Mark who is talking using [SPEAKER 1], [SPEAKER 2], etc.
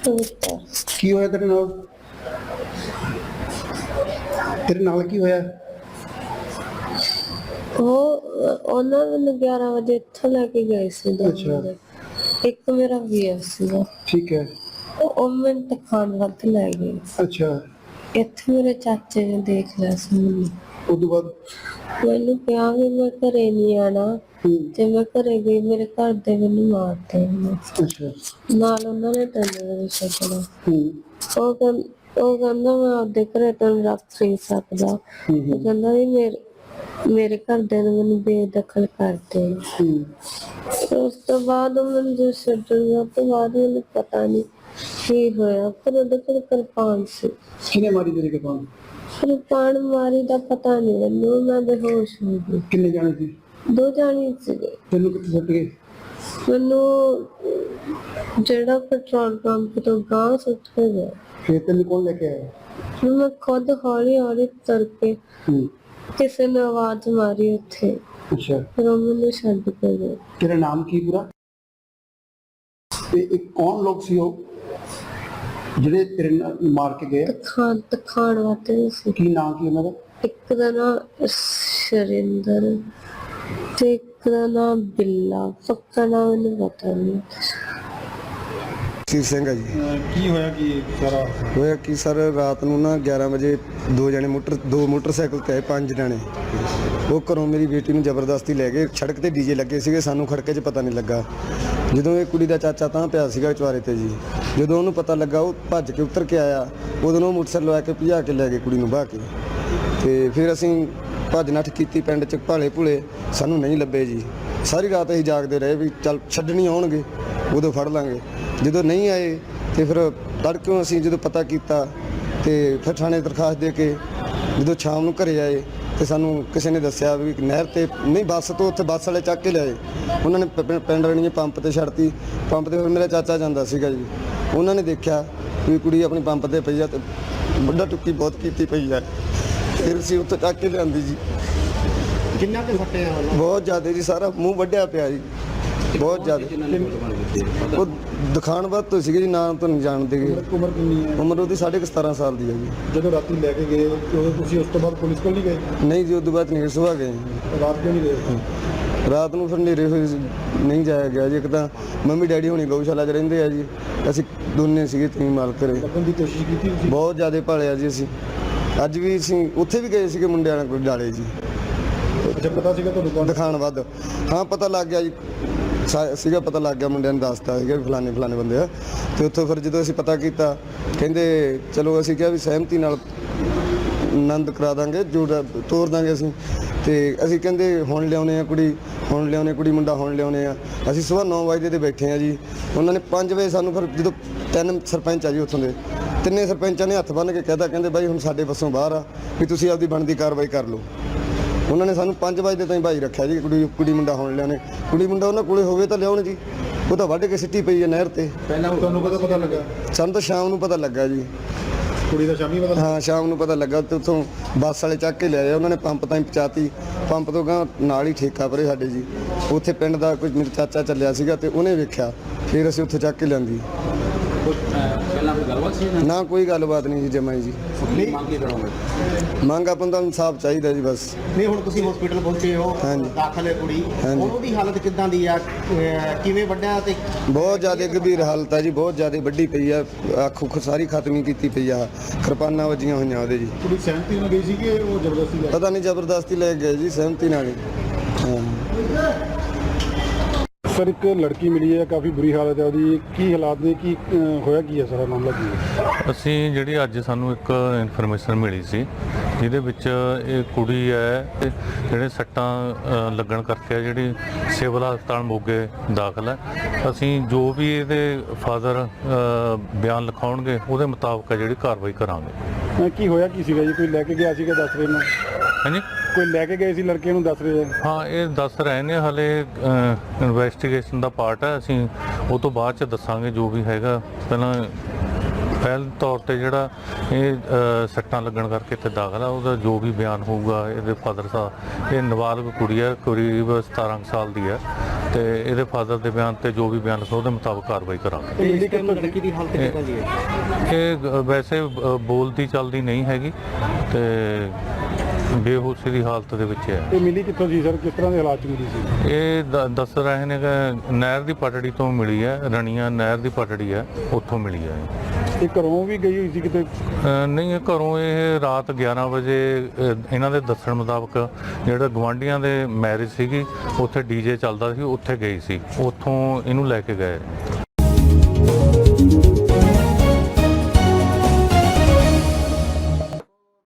[SPEAKER 1] ਕੀ ਹੋਇਆ ਤੇਰੇ ਨਾਲ? ਤੇਰੇ ਨਾਲ ਕੀ ਹੋਇਆ?
[SPEAKER 2] ਉਹਨਾਂ ਮੈਨੂੰ 11 ਵਜੇ ਇੱਥੋਂ ਲੈ ਕੇ ਗਏ ਸੀ।
[SPEAKER 1] ਅੱਛਾ।
[SPEAKER 2] ਇੱਕ ਮੇਰਾ ਵੀਰ ਸੀਗਾ,
[SPEAKER 1] ਠੀਕ ਹੈ।
[SPEAKER 2] ਉਹ ਮੈਨੂੰ ਦਿਖਾਉਣ ਵੱਧ ਲੈ ਗਏ।
[SPEAKER 1] ਅੱਛਾ।
[SPEAKER 2] ਇੱਥੇ ਮੇਰੇ ਚਾਚੇ ਨੇ ਦੇਖ ਲਿਆ ਸੀ ਮੈਨੂੰ।
[SPEAKER 1] ਉਦੋਂ ਬਾਅਦ
[SPEAKER 2] ਮੈਨੂੰ ਕਿਹਾ ਵੀ ਮੈਂ ਘਰੇ ਨਹੀਂ ਆਣਾ, ਤੇ ਮੈਂ ਘਰੇ ਗਈ ਮੇਰੇ ਘਰ ਦੇ ਮੈਨੂੰ ਮਾਰਦੇ।
[SPEAKER 1] ਅੱਛਾ।
[SPEAKER 2] ਨਾਲ ਉਹਨਾਂ ਨੇ ਤੈਨੂੰ ਛੱਡਣਾ। ਉਹ ਕਹਿੰਦਾ ਮੈਂ ਆਪਦੇ ਘਰੇ ਤੈਨੂੰ ਰੱਖ ਨਹੀਂ ਸਕਦਾ। ਉਹ ਕਹਿੰਦਾ ਵੀ ਮੇਰੇ ਘਰਦਿਆਂ ਨੇ ਮੈਨੂੰ ਬੇਦਖਲ ਕਰਦੇ। ਉਸ ਤੋਂ ਬਾਅਦ ਮੈਨੂੰ ਛੱਡਣ ਤੋਂ ਬਾਅਦ ਮੈਨੂੰ ਪਤਾ ਨਹੀਂ ਕੀ ਹੋਇਆ, ਪਰ ਉਹਦੇ ਕੋਲ ਕਿਰਪਾਨ ਸੀ।
[SPEAKER 1] ਕਿਹਨੇ ਮਾਰੀ ਤੇਰੀ ਕਿਰਪਾਨ?
[SPEAKER 2] ਕਿਰਪਾਨ ਮਾਰੀ ਦਾ ਪਤਾ ਨਹੀਂ ਮੈਨੂੰ, ਮੈਂ ਬੇਹੋਸ਼ ਹੋ ਗਈ।
[SPEAKER 1] ਕਿੰਨੇ ਜਾਣੇ ਸੀ?
[SPEAKER 2] 2 ਜਾਣੇ ਸੀਗੇ।
[SPEAKER 1] ਤੈਨੂੰ ਕਿੱਥੇ ਸੁੱਟ ਗਏ?
[SPEAKER 2] ਮੈਨੂੰ ਜਿਹੜਾ ਪੈਟਰੋਲ ਪੰਪ ਤੋਂ ਗਾਂ ਸੁੱਟ ਕੇ ਗਿਆ।
[SPEAKER 1] ਫਿਰ ਤੈਨੂੰ ਕੌਣ ਲੈ ਕੇ ਆਇਆ?
[SPEAKER 2] ਮੈਂ ਖੁਦ ਹੌਲੀ ਹੌਲੀ ਤੁਰ ਕੇ, ਕਿਸੇ ਨੇ ਆਵਾਜ਼ ਮਾਰੀ ਉੱਥੇ।
[SPEAKER 1] ਅੱਛਾ।
[SPEAKER 2] ਫਿਰ ਉਹ ਮੈਨੂੰ ਛੱਡ ਕੇ ਗਏ।
[SPEAKER 1] ਤੇਰਾ ਨਾਮ ਕੀ ਪੂਰਾ? ਤੇ ਇੱਕ ਕੌਣ ਲੋਕ ਸੀ ਉਹ ਜਿਹੜੇ ਤੇਰੇ ਨਾਲ ਮਾਰ ਕੇ ਗਏ?
[SPEAKER 2] ਦਿਖਾਉਣ ਵਾਸਤੇ ਸੀ।
[SPEAKER 1] ਕੀ ਨਾਮ ਕੀ ਉਹਨਾਂ ਦਾ?
[SPEAKER 2] ਇੱਕ ਦਾ ਨਾਮ ਸ਼ਰਿੰਦਰ ਤੇ ਇੱਕ ਦਾ ਨਾਮ ਬਿੱਲਾ। ਪੱਕਾ ਨਾਮ ਮੈਨੂੰ ਪਤਾ ਨਹੀਂ।
[SPEAKER 3] ਸੀਰ ਸਿੰਘ ਹੈ ਜੀ।
[SPEAKER 1] ਕੀ ਹੋਇਆ? ਕੀ ਸਾਰਾ
[SPEAKER 3] ਹੋਇਆ ਕਿ ਸਰ ਰਾਤ ਨੂੰ ਨਾ 11 ਵਜੇ ਦੋ ਮੋਟਰਸਾਈਕਲ ਤੇ ਆਏ 5 ਜਣੇ। ਉਹ ਘਰੋਂ ਮੇਰੀ ਬੇਟੀ ਨੂੰ ਜ਼ਬਰਦਸਤੀ ਲੈ ਗਏ। ਸੜਕ ਤੇ ਡੀਜੇ ਲੱਗੇ ਸੀਗੇ, ਸਾਨੂੰ ਖੜਕੇ 'ਚ ਪਤਾ ਨਹੀਂ ਲੱਗਾ। ਜਦੋਂ ਇਹ ਕੁੜੀ ਦਾ ਚਾਚਾ ਤਾਂ ਪਿਆ ਸੀਗਾ ਚੁਆਰੇ ਤੇ ਜੀ, ਜਦੋਂ ਉਹਨੂੰ ਪਤਾ ਲੱਗਾ ਉਹ ਭੱਜ ਕੇ ਉਤਰ ਕੇ ਆਇਆ। ਉਦੋਂ ਉਹ ਮੋਟਰਸਾਈਕਲ ਲਵਾ ਕੇ ਭਜਾ ਕੇ ਲੈ ਗਏ ਕੁੜੀ ਨੂੰ ਬਾਹ ਕੇ। ਤੇ ਫਿਰ ਅਸੀਂ ਭੱਜ ਨੱਠ ਕੀਤੀ ਪਿੰਡ 'ਚ, ਭਾਲੇ ਭੁਲੇ ਸਾਨੂੰ ਨਹੀਂ ਲੱਭੇ ਜੀ। ਸਾਰੀ ਰਾਤ ਅਸੀਂ ਜਾਗਦੇ ਰਹੇ ਵੀ ਚੱਲ ਛੱਡਣੀ ਆਉਣਗੇ ਉਦੋਂ ਫੜ ਲਾਂਗੇ। ਜਦੋਂ ਨਹੀਂ ਆਏ ਤੇ ਫਿਰ ਤੜਕਿਓਂ ਅਸੀਂ ਜਦੋਂ ਪਤਾ ਕੀਤਾ ਤੇ ਫਿਰ ਥਾਣੇ ਦਰਖਾਸਤ ਦੇ ਕੇ ਜਦੋਂ ਸ਼ਾਮ ਨੂੰ ਘਰੇ ਆਏ ਤੇ ਸਾਨੂੰ ਕਿਸੇ ਨੇ ਦੱਸਿਆ ਵੀ ਨਹਿਰ ਤੇ ਨਹੀਂ, ਬੱਸ ਤੋਂ ਉੱਥੇ ਬੱਸ ਵਾਲੇ ਚੱਕ ਕੇ ਲਿਆਏ। ਉਹਨਾਂ ਨੇ ਪਿੰਡ ਰਣੀਏ ਪੰਪ ਤੇ ਛੱਡਤੀ। ਪੰਪ ਤੇ ਫਿਰ ਮੇਰਾ ਚਾਚਾ ਜਾਂਦਾ ਸੀਗਾ ਜੀ, ਉਹਨਾਂ ਨੇ ਦੇਖਿਆ ਵੀ ਕੁੜੀ ਆਪਣੀ ਪੰਪ ਤੇ ਪਈ ਆ ਤੇ ਵੱਡਾ ਟੁੱਕੀ ਬਹੁਤ ਕੀਤੀ ਪਈ ਆ। ਫਿਰ ਅਸੀਂ ਉੱਥੇ ਚੱਕ ਕੇ ਲਿਆਂਦੀ ਜੀ।
[SPEAKER 1] ਕਿੰਨਾ ਤੇ ਫੱਟੇ ਆ?
[SPEAKER 3] ਬਹੁਤ ਜ਼ਿਆਦਾ ਜੀ, ਸਾਰਾ ਮੂੰਹ ਵੱਢਿਆ ਪਿਆ ਜੀ, ਬਹੁਤ ਜ਼ਿਆਦਾ। ਉਹ ਦਿਖਾਣ ਬਾਅਦ ਤੋਂ ਸੀਗੇ ਜੀ, ਨਾਮ ਤੋਂ ਨਹੀਂ ਜਾਣਦੇ ਗੇ।
[SPEAKER 1] ਉਮਰ ਕਿੰਨੀ ਹੈ?
[SPEAKER 3] ਉਮਰ ਉਹਦੀ 17.5 ਸਾਲ ਦੀ ਹੈ ਜੀ।
[SPEAKER 1] ਜਦੋਂ ਰਾਤੀ ਲੈ ਕੇ ਗਏ ਉਦੋਂ ਤੁਸੀਂ ਉਸ ਤੋਂ ਬਾਅਦ ਪੁਲਿਸ ਕੋਲ ਨਹੀਂ ਗਏ?
[SPEAKER 3] ਨਹੀਂ ਜੀ, ਉਦੋਂ ਬਾਅਦ ਨਹੀਂ, ਸੁਬਾਹ ਗਏ।
[SPEAKER 1] ਰਾਤ ਕਿਉਂ ਨਹੀਂ ਗਏ?
[SPEAKER 3] ਰਾਤ ਨੂੰ ਫਿਰ ਹਨੇਰੇ ਹੋਏ ਨਹੀਂ ਜਾਇਆ ਗਿਆ ਜੀ। ਇੱਕ ਤਾਂ ਮੰਮੀ ਡੈਡੀ ਹੋਣੀ ਗਊਸ਼ਾਲਾ 'ਚ ਰਹਿੰਦੇ ਆ ਜੀ, ਅਸੀਂ ਦੋਨੇ ਸੀਗੇ ਤੀ ਮਾਲ ਘਰੇ।
[SPEAKER 1] ਲੱਭਣ ਦੀ ਕੋਸ਼ਿਸ਼ ਕੀਤੀ ਤੁਸੀਂ?
[SPEAKER 3] ਬਹੁਤ ਜ਼ਿਆਦਾ ਭਾਲਿਆ ਜੀ ਅਸੀਂ। ਅੱਜ ਵੀ ਅਸੀਂ ਉੱਥੇ ਵੀ ਗਏ ਸੀਗੇ ਮੁੰਡਿਆਂ ਨਾਲ ਕੋਈ ਡਾਲੇ ਜੀ।
[SPEAKER 1] ਅੱਛਾ, ਪਤਾ ਸੀਗਾ ਤੁਹਾਨੂੰ ਕੌਣ?
[SPEAKER 3] ਦਿਖਾਣ ਵੱਧ ਹਾਂ ਪਤਾ ਲੱਗ ਗਿਆ ਜੀ, ਸੀਗਾ ਪਤਾ ਲੱਗ ਗਿਆ। ਮੁੰਡਿਆਂ ਨੇ ਦੱਸਤਾ ਸੀਗਾ ਫਲਾਣੇ ਬੰਦੇ ਆ। ਤੇ ਉੱਥੋਂ ਫਿਰ ਜਦੋਂ ਅਸੀਂ ਪਤਾ ਕੀਤਾ, ਕਹਿੰਦੇ ਚਲੋ ਅਸੀਂ ਕਿਹਾ ਵੀ ਸਹਿਮਤੀ ਨਾਲ ਆਨੰਦ ਕਰਾ ਦਾਂਗੇ, ਜੋ ਤੋਰ ਦਾਂਗੇ ਅਸੀਂ। ਤੇ ਅਸੀਂ ਕਹਿੰਦੇ ਹੁਣ ਲਿਆਉਣੇ ਆ ਕੁੜੀ, ਮੁੰਡਾ ਹੁਣ ਲਿਆਉਣੇ ਆ। ਅਸੀਂ ਸੁਬਾਹ 9 ਵਜੇ ਤੇ ਬੈਠੇ ਆ ਜੀ। ਉਹਨਾਂ ਨੇ 5 ਵਜੇ ਸਾਨੂੰ ਫਿਰ ਜਦੋਂ 3 ਸਰਪੰਚ ਆ ਜੀ ਉੱਥੋਂ ਦੇ, 3 ਸਰਪੰਚਾਂ ਨੇ ਹੱਥ ਬੰਨ੍ਹ ਕੇ ਕਹਿਤਾ, ਕਹਿੰਦੇ ਬਾਈ ਹੁਣ ਸਾਡੇ ਵੱਸੋਂ ਬਾਹਰ ਆ ਵੀ ਤੁਸੀਂ ਆਪਦੀ ਬਣਦੀ ਕਾਰਵਾਈ ਕਰ ਲਓ। ਉਹਨਾਂ ਨੇ ਸਾਨੂੰ 5 ਵਜੇ ਤਾਈਂ ਭਾਈ ਰੱਖਿਆ ਜੀ। ਕੁੜੀ ਮੁੰਡਾ ਹੁਣ ਲਿਆਉਣੇ, ਕੁੜੀ ਮੁੰਡਾ ਉਹਨਾਂ ਕੋਲੇ ਹੋਵੇ ਤਾਂ ਲਿਆਉਣ ਜੀ। ਉਹ ਤਾਂ ਵੱਢ ਕੇ ਸਿੱਟੀ ਪਈ ਹੈ ਨਹਿਰ ਤੇ।
[SPEAKER 1] ਪਹਿਲਾਂ ਤੁਹਾਨੂੰ ਪਤਾ ਲੱਗਾ?
[SPEAKER 3] ਸਾਨੂੰ ਤਾਂ ਸ਼ਾਮ ਨੂੰ ਪਤਾ ਲੱਗਾ ਜੀ।
[SPEAKER 1] ਕੁੜੀ ਦਾ ਸ਼ਾਮੀ ਪਤਾ?
[SPEAKER 3] ਹਾਂ, ਸ਼ਾਮ ਨੂੰ ਪਤਾ ਲੱਗਾ ਤੇ ਉੱਥੋਂ ਬੱਸ ਵਾਲੇ ਚੱਕ ਕੇ ਲਿਆਏ। ਉਹਨਾਂ ਨੇ ਪੰਪ ਤਾਈਂ ਪਹੁੰਚਾਤੀ। ਪੰਪ ਤੋਂ ਗਾਂ ਨਾਲ ਹੀ ਠੇਕਾ ਪਰੇ ਸਾਡੇ ਜੀ, ਉੱਥੇ ਪਿੰਡ ਦਾ ਕੋਈ ਮੇਰਾ ਚਾਚਾ ਚੱਲਿਆ ਸੀਗਾ ਤੇ ਉਹਨੇ ਵੇਖਿਆ, ਫਿਰ ਅਸੀਂ ਉੱਥੇ ਚੱਕ ਕੇ ਲਿਆਂਦੀ। ਨਾ ਕੋਈ ਗੱਲਬਾਤ ਨਹੀਂ ਜੀ ਜਮਾਂ ਜੀ। ਮੰਗ ਆਪਾਂ ਨੂੰ ਇਨਸਾਫ ਚਾਹੀਦਾ ਜੀ ਬਸ।
[SPEAKER 1] ਨਹੀਂ, ਹੁਣ ਤੁਸੀਂ ਹਸਪੀਟਲ ਪਹੁੰਚੇ ਹੋ, ਦਾਖਲ ਹੈ ਕੁੜੀ, ਉਹਦੀ ਹਾਲਤ ਕਿੱਦਾਂ ਦੀ ਆ? ਕਿਵੇਂ ਵੱਢਿਆ? ਤੇ
[SPEAKER 3] ਬਹੁਤ ਜ਼ਿਆਦਾ ਗੰਭੀਰ ਹਾਲਤ ਆ ਜੀ, ਬਹੁਤ ਜ਼ਿਆਦਾ ਵੱਡੀ ਪਈ ਆ। ਅੱਖ ਉੱਖ ਸਾਰੀ ਖਤਮ ਕੀਤੀ ਪਈ ਆ, ਕਿਰਪਾਨਾਂ ਵੱਜੀਆਂ ਹੋਈਆਂ ਉਹਦੇ ਜੀ।
[SPEAKER 1] ਕੁੜੀ ਸਹਿਮਤੀ ਨਾਲ ਗਈ ਸੀ ਕਿ ਉਹ ਜ਼ਬਰਦਸਤੀ?
[SPEAKER 3] ਪਤਾ ਨਹੀਂ, ਜ਼ਬਰਦਸਤੀ ਲੈ ਗਏ ਜੀ, ਸਹਿਮਤੀ ਨਾਲ ਹੀ।
[SPEAKER 1] ਸਰ, ਇੱਕ ਲੜਕੀ ਮਿਲੀ ਹੈ, ਕਾਫੀ ਬੁਰੀ ਹਾਲਤ ਹੈ ਉਹਦੀ, ਕੀ ਹਾਲਾਤ ਨੇ, ਕੀ ਹੋਇਆ, ਕੀ ਹੈ ਸਾਰਾ ਮਾਮਲਾ ਕੀ ਹੈ?
[SPEAKER 4] ਅਸੀਂ ਜਿਹੜੀ ਅੱਜ ਸਾਨੂੰ ਇੱਕ ਇਨਫੋਰਮੇਸ਼ਨ ਮਿਲੀ ਸੀ, ਜਿਹਦੇ ਵਿੱਚ ਇਹ ਕੁੜੀ ਹੈ ਜਿਹੜੇ ਸੱਟਾਂ ਲੱਗਣ ਕਰਕੇ ਜਿਹੜੀ ਸਿਵਲ ਹਸਪਤਾਲ ਮੋਗੇ ਦਾਖਲ ਹੈ। ਅਸੀਂ ਜੋ ਵੀ ਇਹਦੇ ਫਾਦਰ ਬਿਆਨ ਲਿਖਾਉਣਗੇ ਉਹਦੇ ਮੁਤਾਬਕ ਜਿਹੜੀ ਕਾਰਵਾਈ ਕਰਾਂਗੇ।
[SPEAKER 1] ਕੀ ਹੋਇਆ ਕੀ ਸੀਗਾ ਜੀ? ਕੋਈ ਲੈ ਕੇ ਗਿਆ ਸੀਗਾ ਦੱਸ ਰਹੇ ਨੇ?
[SPEAKER 4] ਹਾਂਜੀ,
[SPEAKER 1] ਕੋਈ ਲੈ ਕੇ ਗਏ ਸੀ ਲੜਕੇ ਨੂੰ ਦੱਸ ਰਹੇ?
[SPEAKER 4] ਹਾਂ, ਇਹ ਦੱਸ ਰਹੇ ਨੇ, ਹਾਲੇ ਇਨਵੈਸਟੀਗੇਸ਼ਨ ਦਾ ਪਾਰਟ ਹੈ। ਅਸੀਂ ਉਹ ਤੋਂ ਬਾਅਦ 'ਚ ਦੱਸਾਂਗੇ ਜੋ ਵੀ ਹੈਗਾ। ਪਹਿਲਾਂ ਪਹਿਲ ਤੌਰ ਤੇ ਜਿਹੜਾ ਇਹ ਸੱਟਾਂ ਲੱਗਣ ਕਰਕੇ ਇੱਥੇ ਦਾਖਲ ਆ, ਉਹਦਾ ਜੋ ਵੀ ਬਿਆਨ ਹੋਊਗਾ, ਇਹਦੇ ਫਾਦਰ ਸਾਹਿਬ, ਇਹ ਨਾਬਾਲਗ ਕੁੜੀ ਹੈ, ਕਰੀਬ 17 ਸਾਲ ਦੀ ਹੈ, ਤੇ ਇਹਦੇ ਫਾਦਰ ਦੇ ਬਿਆਨ ਤੇ ਜੋ ਵੀ ਬਿਆਨ ਲਿਖੋ ਉਹਦੇ ਮੁਤਾਬਕ ਕਾਰਵਾਈ ਕਰਾਂਗੇ।
[SPEAKER 5] ਲੜਕੀ ਦੀ ਹਾਲਤ ਕਿੱਦਾਂ ਦੀ ਹੈ?
[SPEAKER 4] ਇਹ ਵੈਸੇ ਬੋਲਦੀ ਚੱਲਦੀ ਨਹੀਂ ਹੈਗੀ ਤੇ ਬੇਹੋਸ਼ੀ ਦੀ ਹਾਲਤ ਦੇ ਵਿੱਚ ਹੈ।
[SPEAKER 6] ਇਹ ਮਿਲੀ ਕਿੱਥੋਂ ਸੀ ਸਰ, ਕਿਸ ਤਰ੍ਹਾਂ ਦੇ ਹਾਲਾਤ 'ਚ ਮਿਲੀ ਸੀ?
[SPEAKER 4] ਇਹ ਦੱਸ ਰਹੇ ਨੇ ਕਿ ਨਹਿਰ ਦੀ ਪਟੜੀ ਤੋਂ ਮਿਲੀ ਹੈ, ਰਣੀਆਂ ਨਹਿਰ ਦੀ ਪਟੜੀ ਹੈ, ਉੱਥੋਂ ਮਿਲੀ ਹੈ।
[SPEAKER 6] ਇਹ ਘਰੋਂ ਵੀ ਗਈ ਹੋਈ ਸੀ ਕਿਤੇ?
[SPEAKER 4] ਨਹੀਂ, ਇਹ ਘਰੋਂ ਇਹ ਰਾਤ 11 ਵਜੇ ਇਹਨਾਂ ਦੇ ਦੱਸਣ ਮੁਤਾਬਕ ਜਿਹੜਾ ਗਵਾਂਢੀਆਂ ਦੇ ਮੈਰਿਜ ਸੀਗੀ, ਉੱਥੇ ਡੀਜੇ ਚੱਲਦਾ ਸੀ, ਉੱਥੇ ਗਈ ਸੀ, ਉੱਥੋਂ ਇਹਨੂੰ ਲੈ ਕੇ ਗਏ।